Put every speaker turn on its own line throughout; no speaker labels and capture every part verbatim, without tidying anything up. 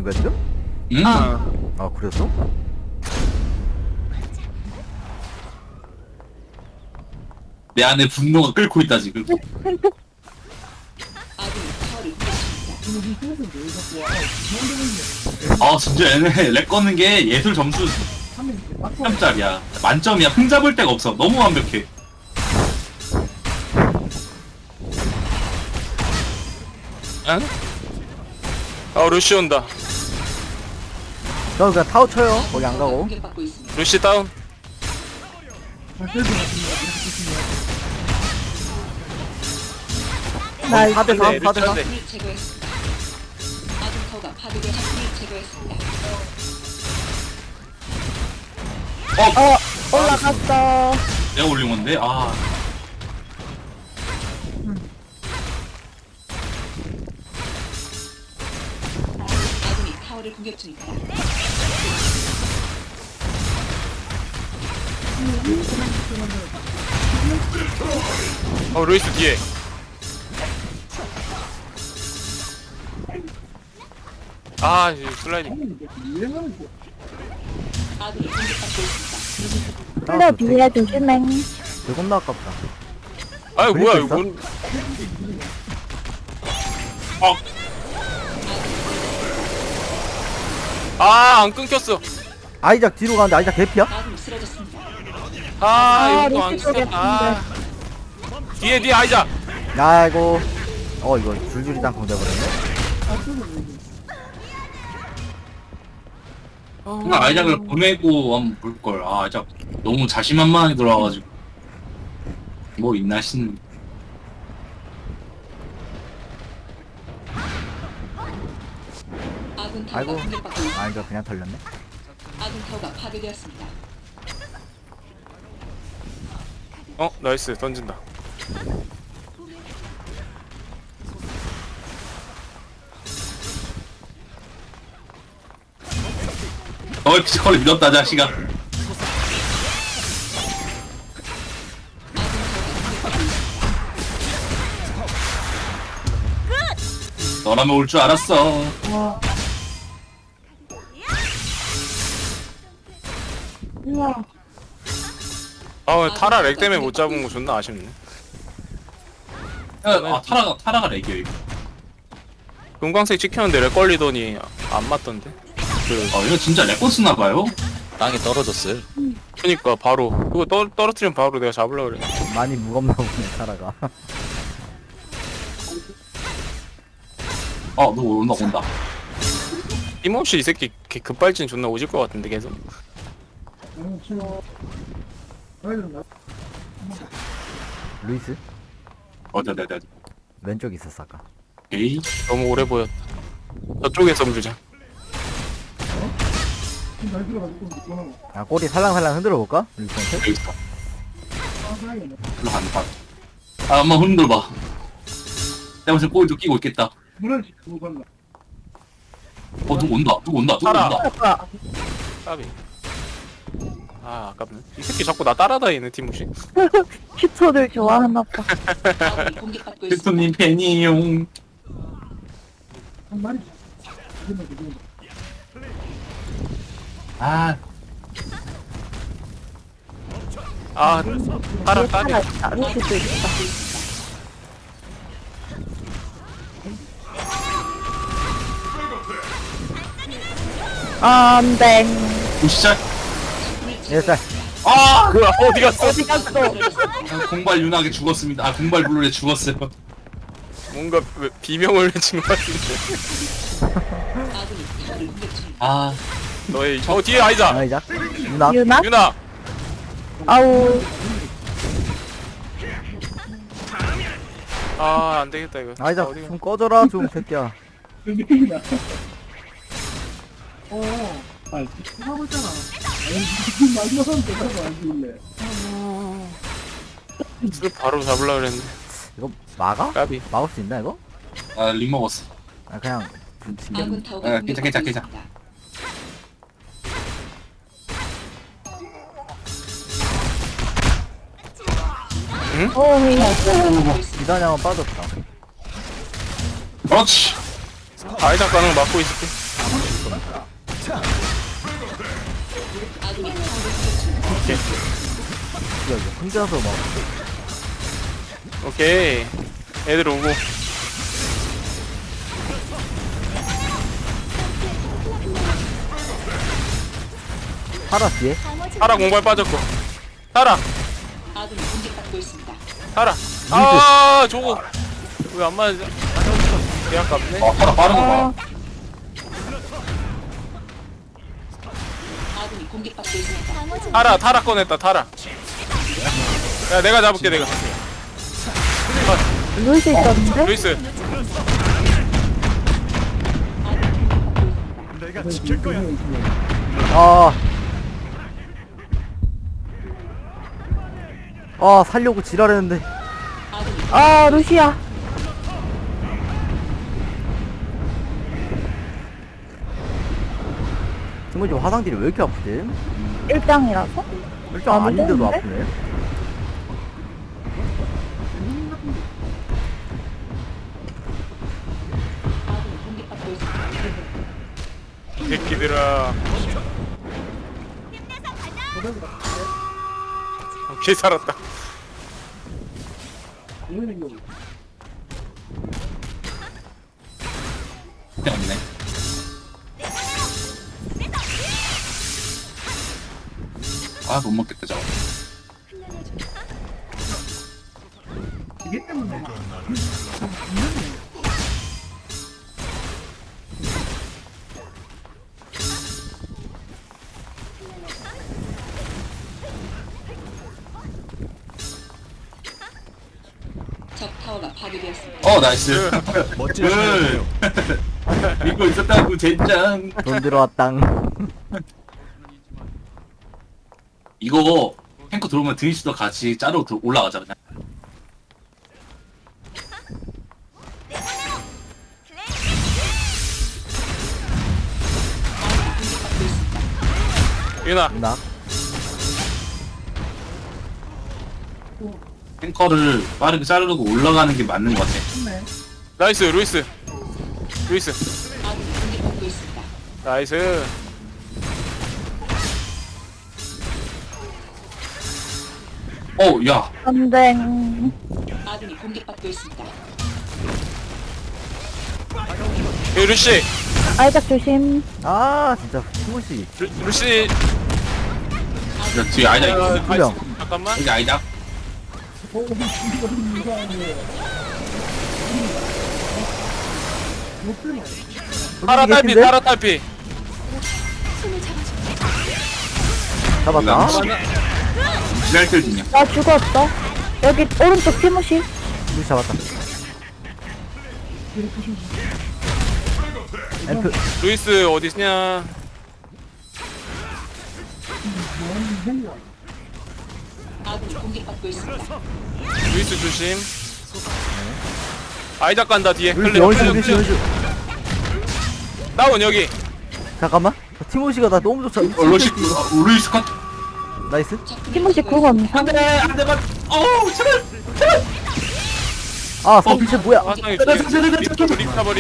있는 거야 지금?
응?
아.
아 그랬어?
내 안에 분노가 끓고 있다 지금. 아 진짜 얘네 렉 꺼는 게 예술 점수 삼 점짜리야. 만점이야. 흠잡을 데가 없어. 너무 완벽해.
응? 아 루시 온다.
저 그냥 타워 쳐요. 거기 안 가고.
루시 다운.
나 사 대 삼,
네,
사 대 삼.
루시
어,
올라갔어.
내가 올린 건데. 아,
아군이 타워를 공격 중입니다.
어 루이스 뒤에. 아 이 슬라이딩.
아군이 공격받고 있습니다.
근데 뒤에 조심해.
이거 겁나 아깝다.
아이 뭐야
있어?
이거 뭔.
어,
아안 끊겼어.
아이작 뒤로 가는데 아이작 개피야?
아군이 쓰러졌습니다.
아
아,
이거 안
루시 쪽에
끊겼다. 아. 뒤에 뒤에 아이자.
아이고. 어 이거 줄줄이 땅콩 돼버렸네.
그냥 아이작을 보내고 한번 볼 걸. 아, 아이작 너무 자신만만하게 돌아와가지고 뭐 있나 싶네.
아군 타워가
아이고.
공격받고 있습니다.
아이작 그냥 털렸네.
아군 타워가 파괴되었습니다.
어 나이스 던진다.
너의 피지컬을 믿었다 자식아. 너라면 올 줄 알았어.
우와.
아 타라 렉 때문에 못 잡은 거 존나 아쉽네.
아, 타라가 타라가 렉이야 이거.
금광색 찍혔는데 렉 걸리더니 안 맞던데. 그
아, 이거 진짜 렉 쓰나 봐요.
땅에 떨어졌어요.
그니까 바로 그거 떨 떨어뜨리면 바로 내가 잡으려고 그래.
많이 무겁나 보네 타라가.
어, 너 온다 온다.
힘없이 이 새끼 개- 급발진 존나 오질 것 같은데 계속.
루이스
어자, 네, 네.
왼쪽에 있었어 아까.
에이,
너무 오래 보였다. 저쪽에서 물자.
아 꼬리 살랑살랑 흔들어 볼까? 루이스한테?
여기 있어. 일로 간다. 아, 한번 흔들봐. 내가 무슨 꼬리도 끼고 있겠다. 어, 누구 온다. 누구 온다. 누구
타라.
온다.
아까
까비. 아 아깝네. 이 새끼 자꾸 나 따라다니네 티무시.
슈터들 좋아하나 봐.
아군이 공격받고 있습니다.
캡틴님 팬이용. 아,
아 타라
뒤에
까비.
하나 있다. 루시도 있다. 아, 안 돼.
보시자.
일살.
아,
그 어디 갔어?
어디 갔어?
아, 공발 윤하게 죽었습니다. 아, 공발 블루에 죽었어요.
뭔가 왜- 비명을 외친 것 같은데.
아군이 타워를 공격 중입니다.
아,
너의 어 뒤에 아이자.
아이작. 누나.
유나?
유나.
아우.
아 안되겠다 이거.
아이작
어디가?
좀 꺼져라 좀 새끼야.
술 바로 잡으려고 그랬는데.
이거 막아?
까비.
막을 수 있나 이거?
아, 링 먹었어.
아 그냥 좀 신경.
아군 타워가
아,
공격받고
괜찮아, 괜찮아,
있습니다.
오,
기다냐면 빠졌다.
그렇지.
아이작 가는 거 막고 있을게.
아군이 타워를 공격 중입니다.
오케이.
야 이거 혼자서 막
오케이. 애들 오고.
파라 뒤에
타라 공발 빠졌고. 타라.
아군이 공격받고 있습니다.
타라. 아 저거 왜 안 맞아? 개 아깝네.
아 파라 빠른 거
아,
봐.
아군이 공격받고 있습니다.
타라 타라 꺼냈다 타라. 야 내가 잡을게 내가.
루이스 있었는데?
루이스.
아. 아 살려고 지랄했는데
아군이
아, 루시야.
친구지 화상들이 왜 이렇게 아프지?
일장이라서?
일단
안
아닌데도
되는데?
아프네.
아군이 공격받고 있습니다.
새끼들아. 오케이 살았다.
때문에. 아 못 먹겠다 저거.
적 타워가 파괴되었습니다.
어 나이스. 멋진. 믿고 있었다고 젠장.
돈 들어왔당.
이거 탱커 들어오면 드니스도 같이 짜로 들- 올라가자 그냥.
공격받고 있습니다.
유나.
나
탱커를 빠르게 자르고 올라가는 게 맞는 것 같아.
나이스 루이스. 루이스.
아군이 공격받고 있습니다.
나이스.
어, 야,
전댕.
아군이 공격받고 있습니다.
예, 루시.
아이작 조심.
아 진짜 친구씨
루, 루시.
야, 뒤에 아이작
아,
있거든.
두 명.
아이스. 잠깐만.
여기 아이작.
타라 딸피
개인데?
타라 딸피.
잡았다.
지날 때 중이야.
나 죽었어. 여기 오른쪽 티모시.
루시 잡았다. 앰프
루이스 어디있냐?
아군이 공격받고 있습니다.
루이스 조심. 아이작 간다 뒤에.
루시
클레,
원슈
클레,
루시
클레.
원슈.
다운 여기.
잠깐만. 티모시가 나 너무 좋다.
어, 로시, 어, 루이스 컷.
나이스.
티모시 그건
안돼, 안돼, 맞. 어우, 제발.
아 선피체 뭐야?
화상이 뒤에. 리카버리.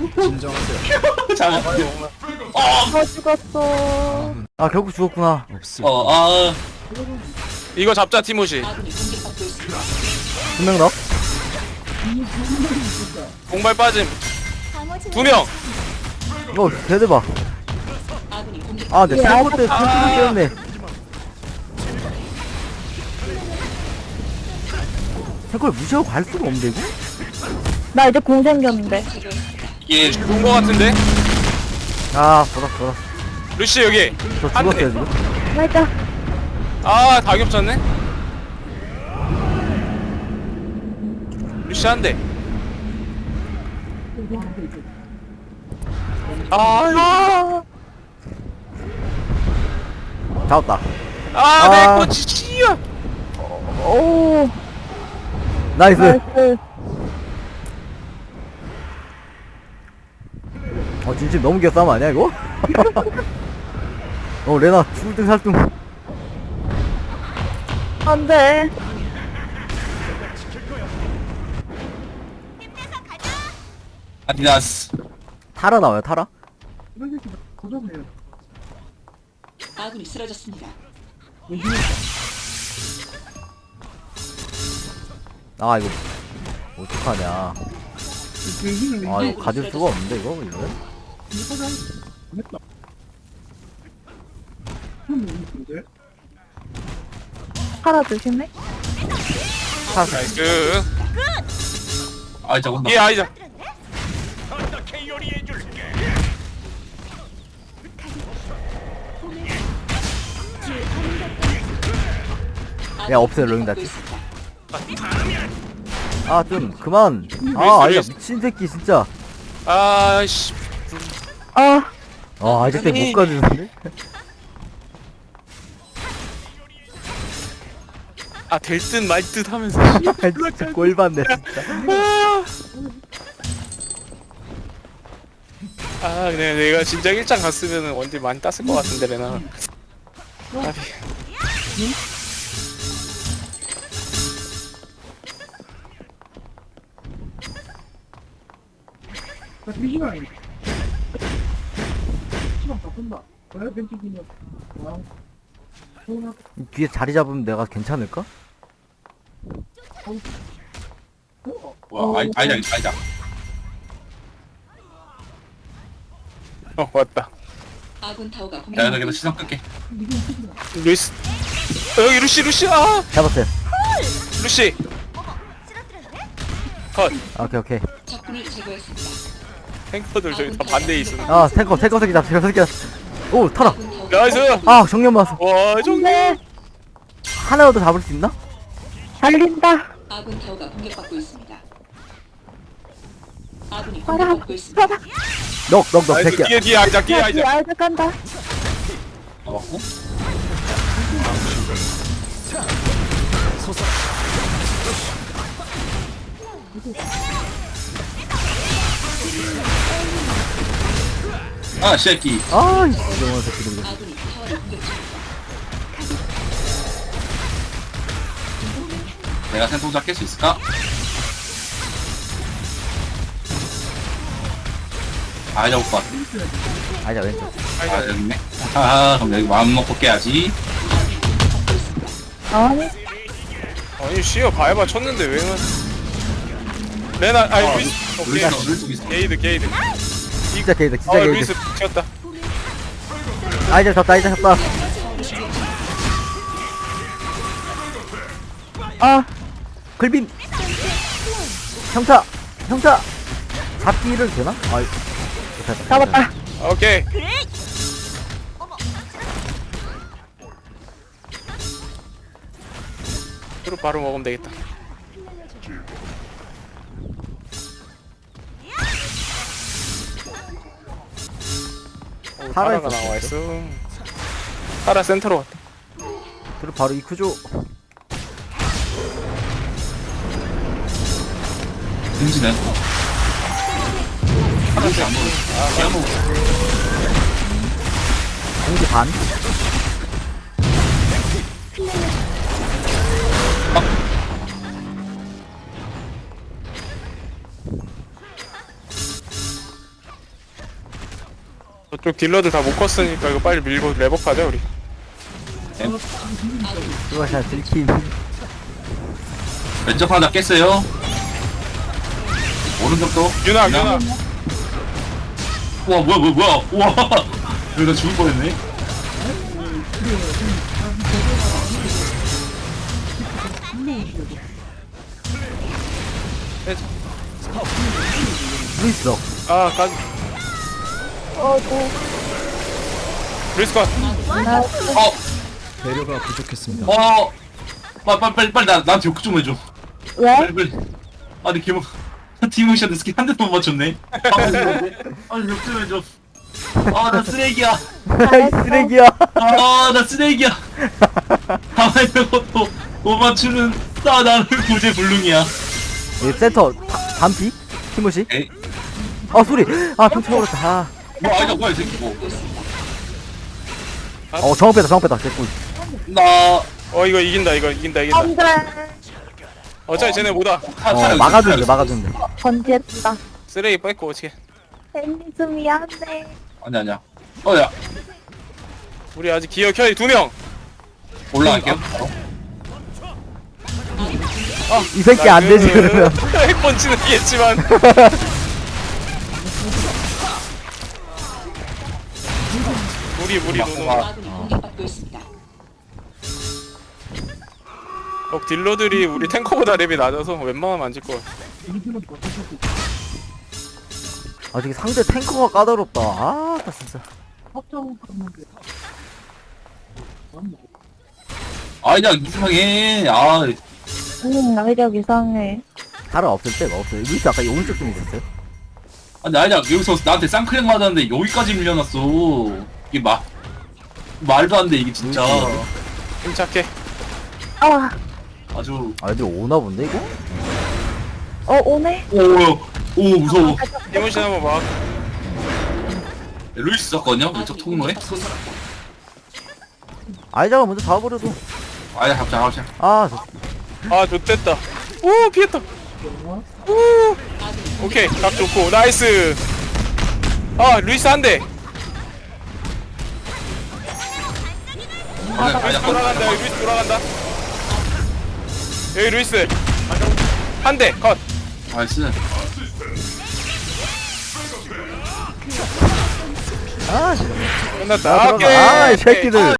잠깐.
다 죽었어.
아 결국 죽었구나.
어, 아,
이거 잡자 티모시.
아군이 공격받고 있습니다.
두 명 넣어.
공발 빠짐. 두 명.
어 대대박.
아군이 공격.
아내
예,
텔포 때
아.
텔포 깨웠네. 탱커를 무시하고 갈 수가 없는데 이거?
나 이제 공 생겼는데.
이게
죽은 거 같은데?
아 돌았어 돌았어.
루시 여기.
저
안 돼.
죽었어요 지금.
살짝.
아, 다 겹쳤네? 루시 한 대. 아,
아,
잡았다.
아,
아.
내 꼬치, 씨야!
오.
나이스.
나이스.
어 진심 너무 귀싸움 아니야 이거? 어 레나 죽을 등 살등.
안 돼.
아디다스.
타라 나와요 타라?
아군이 쓰러졌습니다.
아 이거 어떡하냐. 아 이거 가질 수가 없는데 이거 이러면?
팔아 조심해.
나이스.
아 진짜 온다.
예, 아이자.
야 없어요 로잉 다치. 아 좀 그만. 아 아이야 미친 새끼 진짜.
아씨.
아,
아 아이작 때못 가주는데?
아, 될 듯 말 듯 하면서.
진짜 꼴받네 진짜.
아, 그냥 내가 진작 일장 갔으면 원딜 많이 땄을 것 같은데, 레나. 아비.
뒤에 자리 잡으면 내가 괜찮을까?
와 아이 아이작 아이작.
어, 왔다.
아군 타워가
야
공격받고
여기서 시선 끌게.
루이스. 어, 여기 루시, 루시, 아!
잡았어요.
루시. 컷.
아, 오케이 오케이.
적군을 제거했습니다.
탱커들 저기 다 반대에 있으면.
아 탱커 탱커 새끼 잡 탱커 새끼 잡. 오 타라.
아군 타워가
나이스!
아 정면 맞았어.
와, 정말.
네.
하나라도 잡을 수 있나?
달린다.
아군 타워가 공격받고 있습니다. 아군이
팔아,
공격받고 있습니다.
팔아.
넉넉넉
나이스.
새끼야.
뒤에, 뒤에 아이작, 뒤에
야, 뒤에
아이작.
아이작 간다.
잡았고. 아 새끼.
아 이정원 새끼들. 이거.
아군이 타워를 공격 중입니다.
내가 생통자 깰 수 있을까? 아이작 올 것 같아.
아니야 왼쪽.
아 여기 있네. 아 그럼 여기 마음 먹고 깨야지.
아니,
아니, 씨어 바에바 쳤는데 왜 만 레나, 아니,
어,
루이스. 오케이.
루이스 루이스 있어.
게이드, 게이드.
진짜 게이드
아,
진짜 게이드.
루이스 튀었다.
아이작 잡다 아이작 잡다.
아,
글빔. 형차 형차. 잡기를 되나? 아 못했다.
잡았다.
오케이. 그리고 바로 먹으면 되겠다. 오,
파라
파라가
있었어.
나와 있어. 파라 센터로 왔다.
그리고 바로 이쿠조.
든지네. 하나씩 안 먹어. 아, 그냥 먹어.
공기 반.
저쪽 딜러들 다 못 컸으니까 이거 빨리 밀고 레버하자 우리.
그것이 들킴.
왼쪽 하나 깼어요. 오른쪽도.
유나, 유나.
우와 뭐야 뭐야 뭐야. 우와. 여기 나 죽을 뻔했네.
루이스 넉.
아, 까지.
어, 또.
루이스 컷.
나이스.
어.
배려가 부족했습니다.
어. 빨리 빨리 빨리 빨리 나 나한테 욕 좀 해줘.
왜?
빨리 빨리. 아니 기모. 티모시한테 스킬 한 대도 못 맞췄네. 아니 욕 좀 해줘. 아 나 쓰레기야.
이 쓰레기야.
아 나 쓰레기야. 가만히 있고 못 맞추는 나 나는 구제불능이야.
이 센터 다- 반피? 티모시?
에이.
아 소리. 아 평창 오렸다. 아.
뭐 아니다 뭐야 이 새끼 뭐.
어 정원 빼다 정원 빼다. 개꿀.
나
어, 이거 이긴다, 이거 이긴다, 이긴다.
안 돼.
어차피 쟤네 뭐다.
타-
어
타요,
막아주는데
타요.
막아주는데.
번지했다.
쓰레기 뺏고 어떻게?
앤니스 미안해.
아니 아니야. 어야
우리 아직 기어 켜이 두명
올라갈게요.
이 새끼 안 되지 그러면.
핵펀치는 이겠지만 무리 무리 노노.
아군이 공격받고 있습니다.
어, 딜러들이 우리 탱커보다 랩이 낮아서 웬만하면 안 질 거야.
아 저기 상대 탱커가 까다롭다. 아, 나 진짜.
아이작 이상해. 아
음, 아이작 이상해.
다른 없을 때가 없어요. 루이스 아까 이 오른쪽 좀 있었어요.
아니 아이작 여기서 나한테 쌍크랙 맞았는데 여기까지 밀려났어. 이게 마 말도 안 돼 이게 진짜.
침착해.
아,
아주
아 애들 오나 본데 이거?
어, 오네?
오오 오, 무서워.
이문신 한번 봐.
루이스 썼거든요 왼쪽
아군이
통로에.
공격받고 있습니다.
아이작을 먼저 잡아버려도.
아이작 잡자 잡자.
아 저,
아, 좋됐다. 오, 피했다. 오, 오케이, 각 좋고, 나이스. 아, 루이스 한 대.
아이작
루이스
아이작
돌아간다, 여기 루이스 돌아간다. 여기 루이스. 한 대, 컷.
나이스.
아, 진짜.
끝났다.
아,
오케이.
들어가. 아, 이 새끼들.